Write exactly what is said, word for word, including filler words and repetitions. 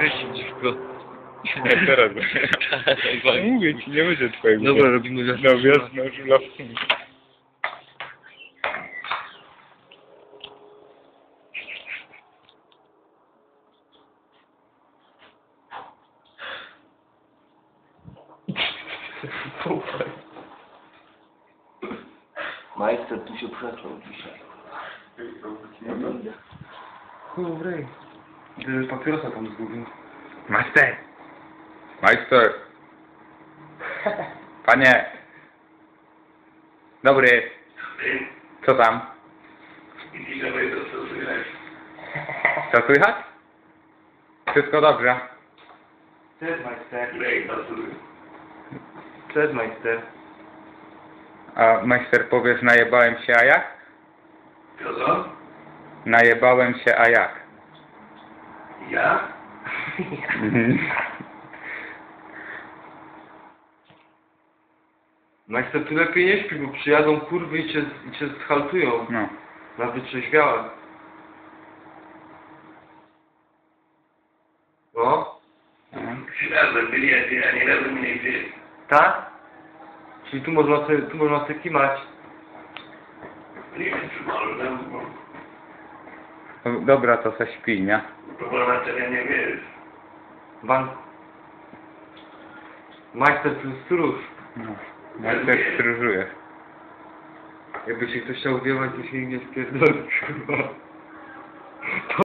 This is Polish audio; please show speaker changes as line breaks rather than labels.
Weź dziwko.
Nie, teraz.
Tak,
Mówię ci, nie będzie twojego.
dobra, robimy wiosnę.
No wiosna żula.
Majster tu się przeklął dzisiaj.
Dobry. Gdyby papierosa tam zgubił.
Majster! Majster! Panie! Dobry! Co tam? Co słychać? Wszystko dobrze.
Cześć, majster. Cześć, majster.
A majster powiesz, najebałem się, a jak?
Co?
Najebałem się, a jak?
Ja?
Majster, ty lepiej nie śpi, bo przyjadą kurwy i cię, i cię zhaltują.
No.
Na wytrzeźwiałe. No?
Trzy razy byli, a ty ani razu mnie nie wzięli.
Tak? Czyli tu można sobie, tu można sobie kimać.
Nie wiem, czy może tam, bo
No, dobra, to se śpi, nie?
próbował na terenie, wiesz.
Ban. Majster tu jest stróż.
No. Majster stróżuje.
Jakby się ktoś chciał wiewać, to się nie spierdolić, kurwa.